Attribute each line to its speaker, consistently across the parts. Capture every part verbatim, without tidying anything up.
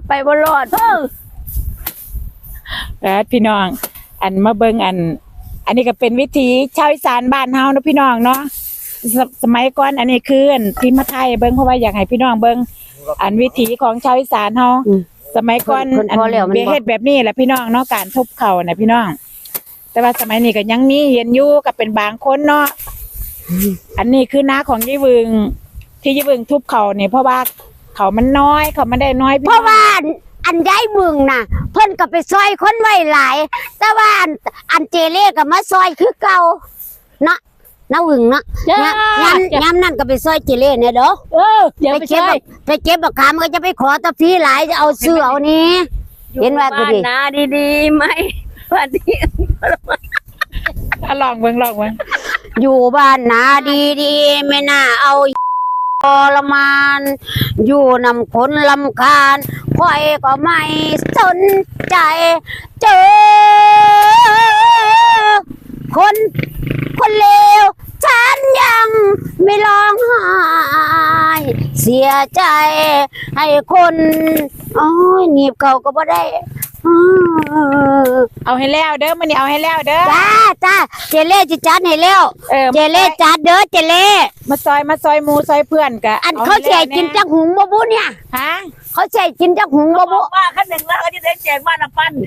Speaker 1: ไปบ่รอดเออ
Speaker 2: แล้วพี่น้องอันมาเบิ่งอัน อันนี้ก็เป็นวิถีชาวอีสานบ้านเฮาเนาะพี่น้องเนาะสมัยก่อนอันนี้คืออันที่มาไทยเบิ่งเพราะว่าอยากให้พี่น้องเบิ่งอันวิถีของชาวอีสานเฮาสมัยก่อนอันเบียเฮ็ดแบบนี้แหละพี่น้องเนาะการทุบเข่าน่ะพี่น้องแต่ว่าสมัยนี้ก็ยังมีเห็นอยู่ก็เป็นบางคนเนาะอันนี้คือน้าของยี่วึงที่ยี่วึงทุบเข่าเนี่ยเพราะว่าเขามันน้อยเขาไม่ได้น้อย
Speaker 1: เพราะว่าอันย้ายบึงน่ะเพิ่นก็ไปซอยคนไว้หลายแต่ว่าอันอันเจเล่ก็มาซอยคือเก่าเนาะน้าหึงเนาะยามยามนั่นก็ไปซอยเจเล่เนี่ยเด้อ
Speaker 2: เออ
Speaker 1: ไปเก็บไปเก็บบักขามก็จะไปขอตะพี่หลายจะเอาซื้อเอานี้เห็นว่าก็ดี
Speaker 3: นะดีๆไหมวันนี้
Speaker 2: ลองเบิ่งลองเบิ่ง
Speaker 1: อยู่บ้านนาดีๆไม่น่าเอาทรมานอยู่นำคนลำคาญค่อยก็ไม่สนใจเจอคนคนเลวฉันยังไม่ร้องไห้เสียใจให้คนโอ้ยหนีบเขาก็บ่ได้
Speaker 2: เอาให้แล้วเด้อมันนี่เอาให้แล้วเด้อ
Speaker 1: จ้าจ้าเจเล่จิจัดให้แล้วเจเล่จัดเด้อเจเล่
Speaker 2: มาซอยมาซอยมูซอยเพื่อนกะ
Speaker 1: อันเขาแช่กินจักหุงบ่บุเนี่ย
Speaker 2: ฮะ
Speaker 1: เขาแช่กินจักหุงบ่บุ
Speaker 3: ว่าขั้นหนึ่งแล้วเขาจะได้แจกบ้านละปั้น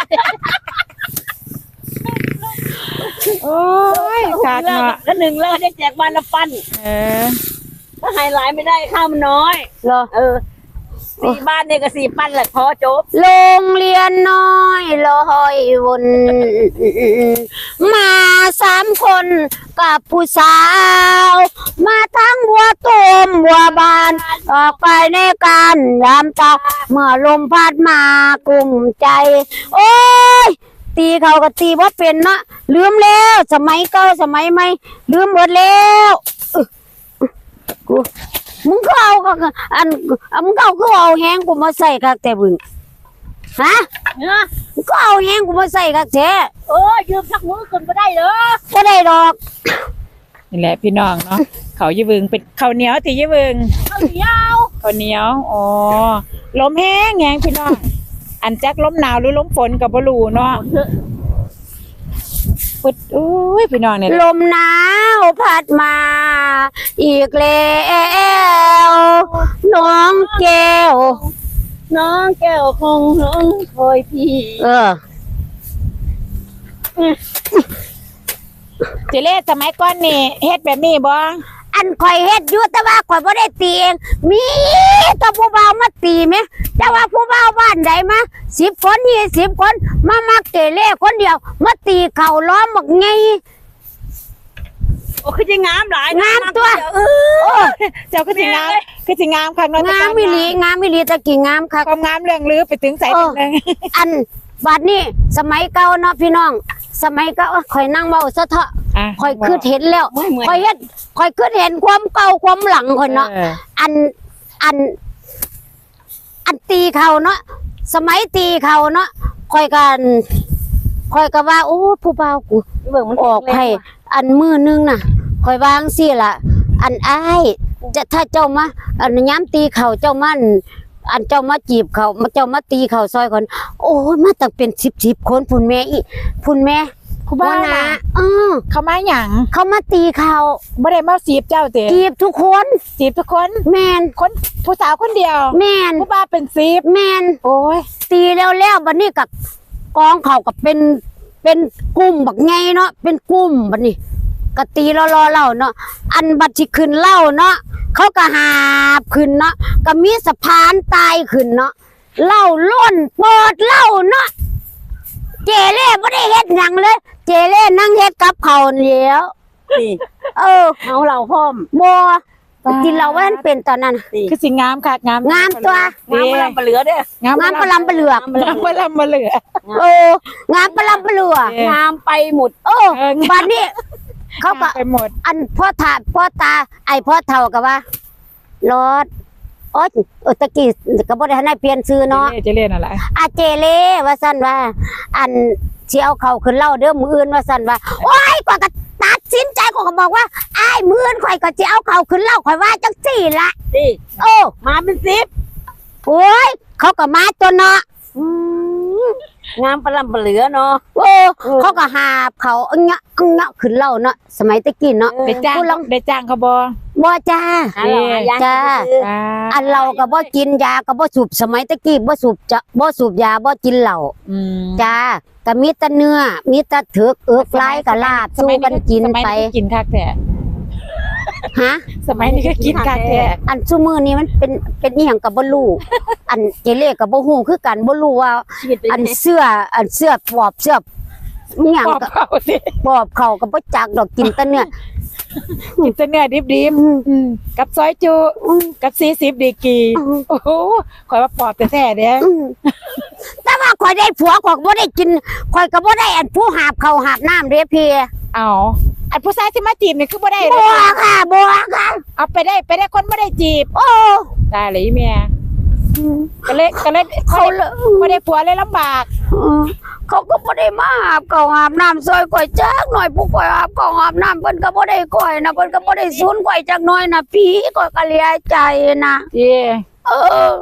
Speaker 2: โอ้ยขาดเนาะ
Speaker 3: ขั้นหนึ่งแล้วได้แจกบ้านละปั้น
Speaker 2: เออ
Speaker 3: ถ้าไฮไลท์ไม่ได้ข้าวมันน้อย
Speaker 1: เหรอ
Speaker 3: เออสี่บ้านเนี่ยก็สี่ปั้นแหละพอจบ
Speaker 1: โรงเรียนน้อยลอยวนมาสามคนกับผู้สาวมาทั้งบัวตูมบัวบานออกไปในการยามตาเมื่อลมพัดมากลุ่มใจโอ้ยตีเขาก็ตีว่าเป็นเนาะลืมแล้วสมัยเก่าสมัยใหม่ลืมหมดแล้วกูมึงก็เอาอันมึงก็เอาก็เอาแห้งกูมาใส่กักแต่บึงฮะมึงก็เอาแห้งกูมาใส่กักแท้
Speaker 3: เออยืมสักมือคนก็ได้เหรอ
Speaker 1: ก็ได้ดอก
Speaker 2: นี่แหละพี่น้องเนาะเขายี่วึงเป็นข้าวเหนียวที่ยี่วึง
Speaker 3: ข้าวเหนียว
Speaker 2: ข้าวเหนียวอ๋อลมแห้งแห้งพี่น้องอันจักลมหนาวหรือลมฝนกับบลูเนาะปดอุ้ยพี่น้องเนี่ย
Speaker 1: ลมหนาวพัดมาอีกแล้วน้องแก้ว
Speaker 3: น้องแก้วคงน้องคอยพี่
Speaker 1: เออ
Speaker 2: เจเล่สมัยก่อนนี่เฮ็ดแบบนี้บ่
Speaker 1: อันข่อยเฮ็ดอยู่แต่ว่าข่อยบ่ได้ตีเองมีแต่ผู้บ่าวมาตีไหมแต่ว่าผู้บ่าวบ้านใดมาสิบคนยี่สิบคนมามักเกเล่คนเดียวมาตีเข่าล้อมบักไง
Speaker 3: โอ้คือจะงามหลาย
Speaker 1: งามตัว
Speaker 2: เออเจ้าคือสิงามคือสิงามค่ะ
Speaker 1: งามมิลีงามมิลีตะกี้งามค่ะ
Speaker 2: ความงามเรื่องลือไปถึงใส่ถึงนึง
Speaker 1: อันบัดนี้สมัยเก่าเนาะพี่น้องสมัยเก่าข่อยนั่งเบาซะเถอะข่อยคือเห็นแล้วข่อยเฮ็ดข่อยคือเห็นความเก่าความหลังคนเนาะอันอันอันตีเขาเนาะสมัยตีเขาเนาะข่อยกันข่อยก็ว่าโอ้ผู้บ่าวกูออกให้อันมือนึงน่ะข่อยวางสิล่ะอันอ้ายจะถ้าเจ้ามาอันย้ำตีเขาเจ้ามันอันเจ้ามาจีบเขาเจ้ามาตีเขาซอยคนโอ้ยมาตั้งเป็นสิบสิบคนพุ่นแม่อีพุ่นแม่
Speaker 2: ผู้บ่าวนะ
Speaker 1: เออ
Speaker 2: เขามาหยัง
Speaker 1: เขามาตีเขา
Speaker 2: ไม่ได้มาจีบเจ้าเต๋
Speaker 1: จีบทุกคน
Speaker 2: จีบทุกคน
Speaker 1: แมน
Speaker 2: คนผู้สาวคนเดียว
Speaker 1: แมน
Speaker 2: ผู้บ่าวเป็นสิบ
Speaker 1: แมน
Speaker 2: โอ้ย
Speaker 1: ตีแล้วแล้วบัดนี้กับกองเขากับเป็นเป็นกลุ่มบักไงเนาะเป็นกลุ่มบัดนี้กะตีรอรอเล่าเนาะอันบัดที่ขึ้นเล่าเนาะเขาก็หาบขึ้นเนาะก็มีสะพานตายขึ้นเนาะเล่าล้นปอดเล่าเนาะเจเล่ไม่ได้เฮ็ดหยังเลยเจเล่นั่งเฮ็ดกับเขาเลี้ยวเออ
Speaker 3: เอาเราพร้อม
Speaker 1: บัวกินเราว่ามันเป็นตอนนั้น
Speaker 2: คือสิงามค่ะงาม
Speaker 1: งามตัว
Speaker 3: งามปลาเปลือเด้
Speaker 1: งามปลาเปลือก
Speaker 2: งามปลาเปลือก
Speaker 1: โอ้งามปลาเปลือก
Speaker 3: งามไปหมด
Speaker 1: โอ้บ้านนี้เขาก็อันพ่อตาพ่อตาไอพ่อเท่ากับว่ารถโอ๊ยเออตะกี้ก็บ่ได้ให้เปลี่ยนชื่อเนาะ
Speaker 2: เจเล่นั่นแหละ
Speaker 1: อาเจเล่ว่าซั่นว่าอันสิเอาเขาขึ้นเล่าเด้อมื้ออื่นว่าซั่นว่าโอ๊ยก็ตัดสินใจก็บอกว่าอ้ายมื้ออื่นข่อยก็สิเอาเขาขึ้นเล่าข่อยว่าจังซี่ล่ะ
Speaker 3: สิ
Speaker 1: โอ้
Speaker 3: มาเป็นสิบ
Speaker 1: โอ้โอ้ยเขาก็มาตัวเนาะ
Speaker 3: อืมงามประลำประเหลือเนาะ
Speaker 1: โอ้เขาก็หาบเขาอังเงาะอังเงาะขึ้นเล่าเนาะสมัยตะกี้เนาะ
Speaker 2: ได้จ้าง
Speaker 1: ผู้ลอง
Speaker 2: ได้จ้างเขาบ่
Speaker 1: บ่จ้า
Speaker 3: หาเราหายา
Speaker 1: จ้า
Speaker 3: ซื้อ
Speaker 2: อ่า
Speaker 1: อันเราก็บ่กินยาก็บ่สูบสมัยตะกี้บ่สูบจะบ่สูบยาบ่กินเหล้า
Speaker 2: อืม
Speaker 1: จ้าก็มีแต่เนื้อมีแต่เถือกเอือกลายกับลาบสู้กันกิน
Speaker 2: สมัย
Speaker 1: ไป
Speaker 2: ก็กินคักแท้
Speaker 1: ฮะ
Speaker 2: สมัยนี้ก็กินคักแท้
Speaker 1: อันซุมื้อนี้มันเป็นเป็นอีหยังก็บ่รู้อันเจเล่ก็บ่ฮู้คือกันบ่รู้ว่า
Speaker 3: ชีวิตเป็น
Speaker 1: อันเสื้ออันเสื้อปอบเสื้ออีหยัง
Speaker 2: ปอบ
Speaker 1: ก็
Speaker 2: เขาสิ
Speaker 1: ปอบเขาก็บ่จักดอกกินแต่เนื้อ
Speaker 2: กินแต่เนื้อดิบ
Speaker 1: อืม
Speaker 2: ๆอืมกับซอยจุ
Speaker 1: อืม
Speaker 2: กับสี่สิบดีกรี
Speaker 1: อืม
Speaker 2: โอ้โหข่อยว่าปอบแท้ๆเด้
Speaker 1: อืมแต่ว่าข่อยได้ผัวข่อยก็บ่ได้กินข่อยก็บ่ได้อันผู้หาบเขาวหาบน้ำเด้พี่
Speaker 2: เอาอันผู้ชายที่มาจีบนี่คือบ่ได้เล
Speaker 1: บั
Speaker 2: ยว
Speaker 1: ค่ะบัวค่ะ
Speaker 2: เอาไปได้ไปได้คนบ่ได้จีบ
Speaker 1: โอ้
Speaker 2: ตายเลยอีเมียก็เลยก็เลย
Speaker 1: เขาเลย
Speaker 2: บ่ได้ผัวเลยลำบาก
Speaker 1: เออเขาก็บ่ได้มาหาบเขาวหาบน้ำซอยข่อยจักหน่อยผู้ข่อยหาบเขาวหาบน้ำเพิ่นก็บ่ได้ข่อยนะเพิ่นก็บ่ได้สูนข่อยจักหน่อยนะพี่ข่อยก็เหลียใจนะ
Speaker 2: เย่
Speaker 1: เออ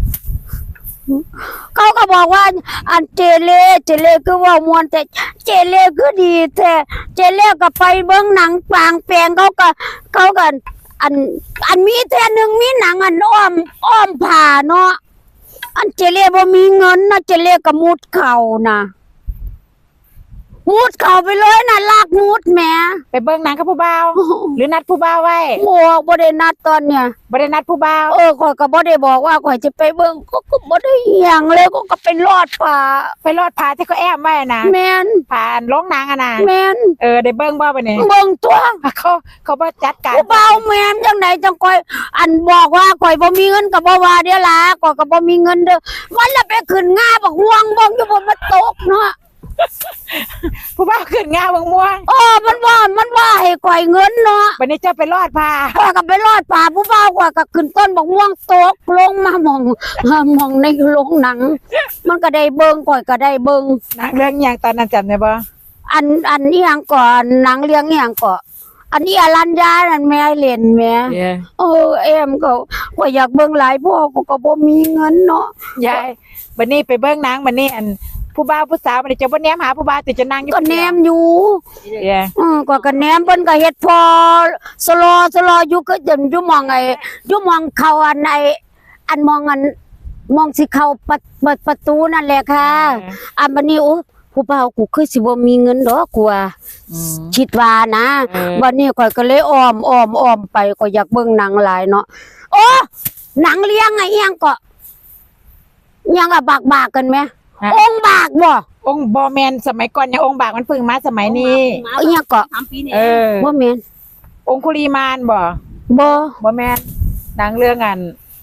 Speaker 1: เขาก็บอกว่า อันเจเล่เจเล่คือว่ามวนแต่เจเล่คือดีแต่เจเล่ก็ไปเบิ่งหนังปางแปลงเขาก็เขาก็อัน อันมีแต่หนึ่งมีหนังอันอ้อมอ้อมผ่าเนาะอันเจเล่บ่มีเงินนะเจเล่ก็มุดเข่านะมุดเข่าไปเลยนะลากมุดแหม
Speaker 2: ไปเบิ่งหนังกับผู้บ่าว หรือนัดผู้บ่าวไว้
Speaker 1: โอ้บ่ได้นัดตอนเนี่ย
Speaker 2: บ่ได้นัดผู้บ่าว
Speaker 1: เออข่อยก็บ่ได้บอกว่าข่อยจะไปเบิ่งก็ก็บ่ได้เหียงเลยก็ก็ไปรอดป่า
Speaker 2: ไปรอดผาที่เขาแอบไว้นะ
Speaker 1: แม่น
Speaker 2: ผ่านโรงหนังอะนะ
Speaker 1: แม่น
Speaker 2: เออได้เบิ่งบ่บัดนี้
Speaker 1: เบิ่งตัว
Speaker 2: เขาเขาบ่จัดการ
Speaker 1: ผู้เบาแม่นจังไดจังข่อยอันบอกว่าข่อยบ่มีเงินก็บ่ว่าเด้อล่ะข่อยก็บ่มีเงินเด้อวันละไปขึ้นง่าบักห่วงบ่งอยู่บนมาตกเนาะ
Speaker 2: ผู้บ่าวขึ้นงาบางม่วง
Speaker 1: เออมันว่ามันว่าให้ข่อยเงินเนาะ
Speaker 2: บัดนี้เจ้าไปรอดผา
Speaker 1: ข่อยก็ไปรอดป่าผู้เบาข่อยก็ขึ้นต้นบักห่วงตกลงมาหมองหมองในโรงหนัง มันก็ได้เบิ่งข่อยก็ได้เบิ่ง
Speaker 2: หนังเรื่องหยังตอนนั้นจำได้บ่
Speaker 1: อันอันนี้ยังก่อนหนังเรื่องอหย่างก่อนอันนี้อรัญญานั่นแม่เล่นแม่
Speaker 2: เย่
Speaker 1: เออเอ็มก็ว่าอยากเบิ่งหลายพ่อก็ก็บ่มีเงินเนาะ
Speaker 2: ยายบัดนี้ไปเบิ่งหนังบัดนี้อันผู้บ่าวผู้สาวบัดนี้เจะบ่แนมหาผู้บ่าวแต่จะนั่งอยู่
Speaker 1: ก็แนมอยู่
Speaker 2: เย่
Speaker 1: เออก็ก็แนมเพิ่นก็เฮ็ดพอสโลสโลอยู่ก็จนอยู่หมองไอ้อยู่หมองเข้าอันไอ้อันมองอันมองสิเข้าประเปิดประตูนั่นแหละค่ะอันบัดนี้โอ้ผู้บ่าวกูคือสิบ่มีเงินดอกกูว่า
Speaker 2: อืม
Speaker 1: คิดว่านะ
Speaker 2: เออ
Speaker 1: วันนี้ข่อยก็เลยอ้อมอ้อมอ้อมไปก็อยากเบิ่งหนังหลายเนาะโอ้หนังเลี้ยงไงเอียงก็เอียังอะบากบากกันไหม
Speaker 2: ฮะ
Speaker 1: องค์บากบ่
Speaker 2: องค์บ่แม่นสมัยก่อนยังองค์บากมันเพิ่งมาสมัยนี้
Speaker 1: เอียงก็
Speaker 3: สามปีนี่
Speaker 2: เออ
Speaker 1: บ่แม่น
Speaker 2: องคุลีมานบ่
Speaker 1: บ่
Speaker 2: บ่แม่นหนังเรื่องอัน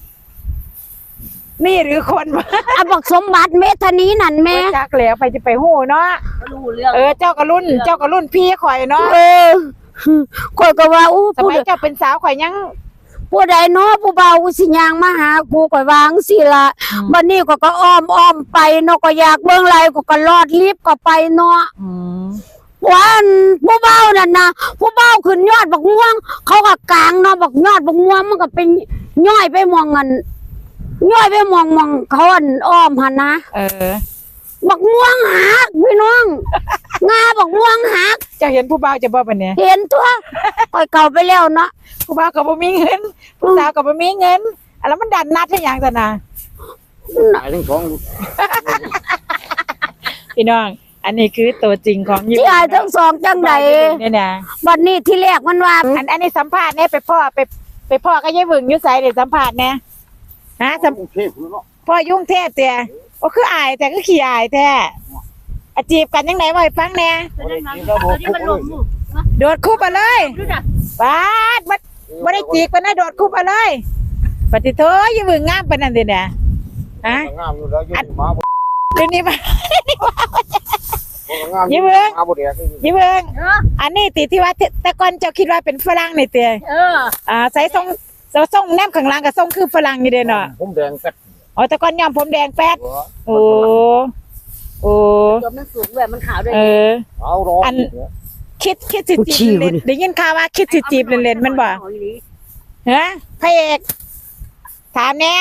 Speaker 2: นี่หรือคนวะ
Speaker 1: อะบักสมบัติเมธานีนั่นแม่
Speaker 2: จักแล้วไปจะไปฮู้เนาะ
Speaker 3: รู้เรื่อง
Speaker 2: เออเจ้าก็รุ่น เจ้าก็รุ่นพี่ข่อยเนาะ
Speaker 1: เออข่อยก็ว่าอู้
Speaker 2: ส
Speaker 1: ผู้
Speaker 2: มัยเจ้าเป็นสาวข่อยยัง
Speaker 1: ผู้ใดเนาะผู้เบากูสิย่างมาหากูข่อยวาจั่งสิล่ะ
Speaker 2: อืม
Speaker 1: บัดนี้ก็ก็อ้อมอ้อมไปเนาะก็อยากเบิ่งหลายก็ก็รอดลิฟต์ก็ไปเนาะ
Speaker 2: อืม
Speaker 1: วันผู้เบ้านั่นนะผู้เบ้าขึ้นยอดบักม่วง เขาก็กลางเนาะบักยอดบักม่วงมันก็เป็นย่อยไปมองกันย่อยไปมองมองเขาอันอ้อมหันนะ
Speaker 2: เออ
Speaker 1: บักม่วงหักพี่น้อง งาบักม่วงหัก
Speaker 2: เจ้าเห็นผู้บ่าวจะบ่บัดเนี้ย
Speaker 1: เห็นตัวคอยเก่าไปแล้วเนาะ
Speaker 2: ผู้บ่าวก็บ่มีเงิน ผู้สาวก็บ่มีเงินอะแล้วมันดันนัดให้หยังซั่นน่ะ
Speaker 4: ตายทั้งสอง
Speaker 2: พี่น้อง อันนี้คือตัวจริงของญี่
Speaker 1: ที่
Speaker 2: ปุ่น
Speaker 1: อายทั้งสองจังใด
Speaker 2: เนี่ยนะ
Speaker 1: บัดนี้ที่แรกมันว่า
Speaker 2: อันอันนี้สัมภาษณ์เนี่ยไปพ่อไปไปพ่อก็ยายหวึงอยู่ไสเดี๋ยวสัมภาษณ์เนี่ยฮะสัม
Speaker 4: กรุงเทพฯเนาะ
Speaker 2: พ่อยุ่งเทพเตี่ยโอ้คืออายแต่ก็ขี้อายแท้อาจีบกันยังไงบ่ให้ฟังแหน่
Speaker 3: จะได้นั่งตัวนี้มันลงมือ
Speaker 2: โดดคู่ไปเลย
Speaker 3: ดูนะ
Speaker 2: ปาดบ่บ่ได้จีบกันนะโดดคู่ไปเลยปฏิโทยายหวึงงามปานนั้นเด้เนี่ยฮะ
Speaker 4: งามอยู่แล้วอยู่มาบ่
Speaker 2: เดี๋ยวนี้มา
Speaker 4: งาม
Speaker 2: ยิ้มเบิ่ง
Speaker 4: มาบ่แดก
Speaker 2: ยายหวึงอันนี้ติที่ว่าแต่ก่อนเจ้าคิดว่าเป็นฝรั่งนี่เตี่ย
Speaker 3: เออ
Speaker 2: อ่าใส่ทรงเจ้าทรงแนมข้างหล่างก็ทรงคือฝรั่งนี่เด้เนาะ
Speaker 4: ผมแดงแป๊ด
Speaker 2: อ๋อแต่ก่อนยอมผมแดงแป๊ดโอ้โอ้
Speaker 3: ตัวมันสูงแบบมันขาวด้วย
Speaker 2: เออ
Speaker 4: เอารอ
Speaker 2: อัน คิดคิดสิจีบเล่นๆได้ยินข่าวว่าคิดสิจีบเล่นๆมันบ่ฮะพระเอกถามแหน่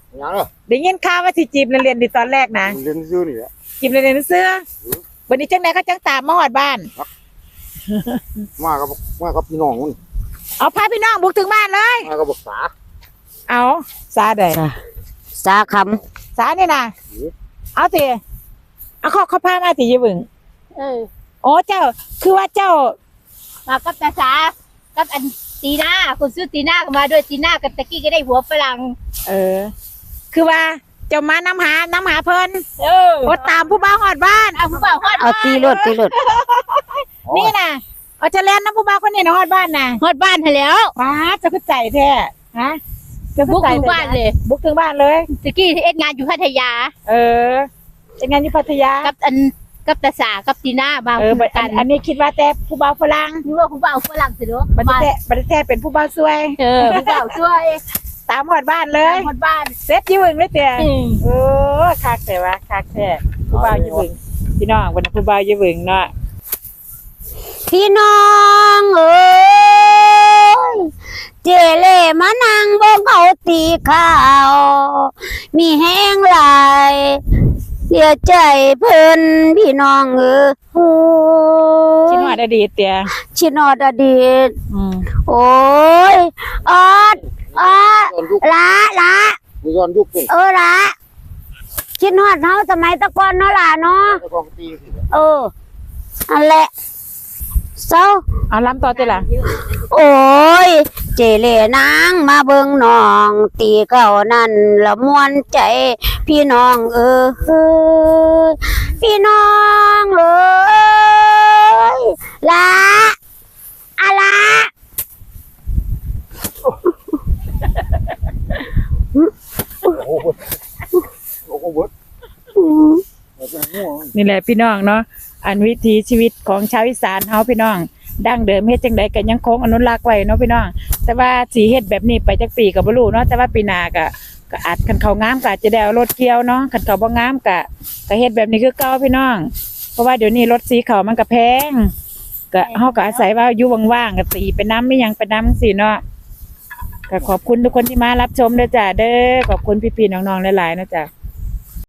Speaker 4: ยังเหรอ
Speaker 2: ได้ยินข่าวว่าสิจีบเรียนๆดีตอนแรกนะ
Speaker 4: เรียนซื้อนี่แหละ
Speaker 2: จีบเรียนๆเสื้อวันนี้จังได๋เขาจังตามมาฮอดบ้าน
Speaker 4: มากับมากับพี่น้องมัน
Speaker 2: เอาพาพี่น้องบุกถึงบ้านเลย
Speaker 4: มากับบักษา
Speaker 2: เอาซาได้
Speaker 1: สาค
Speaker 2: ซานี่น่ะเอาสิเอาเขาเขาพามาสิยายบึง
Speaker 3: เออ
Speaker 2: โอ้เจ้าคือว่าเจ้า
Speaker 3: มากับตาสากับอันตีหน้าคนซื้อตีหน้าก็มาด้วยตีหน้ากับตะกี้ก็ได้หัวฝรั่ง
Speaker 2: เออ คือว่าเจ้ามาน้ำหาน้ำหาเพิ่น
Speaker 3: เออ
Speaker 2: โอ้ตามผู้บ่าวฮอดบ้าน
Speaker 3: เอาผู้บ่าวฮอด
Speaker 1: ำเอาตีรถตีรถ
Speaker 2: นี่น่ะเอาจะแล่นน้ำผู้บ่าวคนนี้นะฮอดบ้านน่ะ
Speaker 3: ฮอดบ้านให้แล้ว
Speaker 2: ป้าเจะคือใจแท้ฮะเจะ
Speaker 3: บุกถึงบ้านเลย
Speaker 2: บุกถึงบ้านเลย
Speaker 3: ตะกี้ที่เอ็ดงานอยู่พัทยา
Speaker 2: เออเป็นงานอยู่พัทยา
Speaker 3: กับอันกับตาสากับตีหน้ามา
Speaker 2: เออ
Speaker 3: คู่
Speaker 2: บัด
Speaker 3: กั
Speaker 2: อั
Speaker 3: น
Speaker 2: นอันนี้คิดว่าแต่ผู้บ่าวฝรั่ง
Speaker 3: นึกว่าผู้บ่าวฝรั่งสิเนาะ
Speaker 2: บัด
Speaker 3: มา
Speaker 2: แท้บัดแท้เป็นผู้บ่าวสวย
Speaker 3: เออผู้บ่าวช่วย
Speaker 2: ตามฮอดบ้านเลย
Speaker 3: ฮอดบ้าน
Speaker 2: เซ็ตยี่หึงเลยเตี่ย
Speaker 3: อืม
Speaker 2: โอ้คักแต่ว่าคักแท้ผู้บ่าวยี่หึงพี่น้องวันนั้นผู้บ่าวยี่หึงเนาะ
Speaker 1: พี่น้องเอ้ยเจเล่มานั่งเบิ่งเขาตีข้าว มีแห้งหลายเสียใจเพิ่นพี่น้องเอ้ย
Speaker 2: ชินวดอดีตเตี่ย
Speaker 1: ชินอดอดีต
Speaker 2: อืม
Speaker 1: โอ้ยออดออด
Speaker 4: ย้อนยุค
Speaker 1: ละละ
Speaker 4: มีย้อนยุคเป็น
Speaker 1: เออละชินอดเฮาสมัยตะก่อนเนาะล่ะเนาะ
Speaker 4: กองตีสิ
Speaker 1: เอออันแหละเศร้า
Speaker 2: เอาล้ำต่อเตี่ยล่ะ
Speaker 1: โอ้ย เจเล่นางมาเบิ่งน้อง ตีเก่านั่นละมวนใจ พี่น้องเออพี่น้องเอ้ยละอะละ
Speaker 4: โอ้โหโอ้โหเบิด
Speaker 1: อืม
Speaker 4: เป็นหัว
Speaker 2: นี่แหละพี่น้องเนาะอันวิถีชีวิตของชาวอีสานเฮาพี่น้อง ดั้งเดิมเฮ็ดจังไดก็ยังคงอนุรักษ์ไว้เนาะพี่น้อง แต่ว่าสิเฮ็ดแบบนี้ไปจักปีก็บ่รู้เนาะแต่ว่าปีหน้าก็ก็อาจคันเขางามก็อาจจะได้เอารถเกี่ยวเนาะคันเขาบ่งามก็ก็เฮ็ดแบบนี้คือเก่าพี่น้อง เพราะว่าเดี๋ยวนี้รถสีเขามันก็แพงก็เฮาก็อาศัยว่าอยู่ว่างๆก็ตีไปน้ำไม่ยังไปน้ำสิเนาะก็ขอบคุณทุกคนที่มารับชมเด้อจ้าเด้อขอบคุณพี่ๆน้องๆหลายๆนะจ้ะ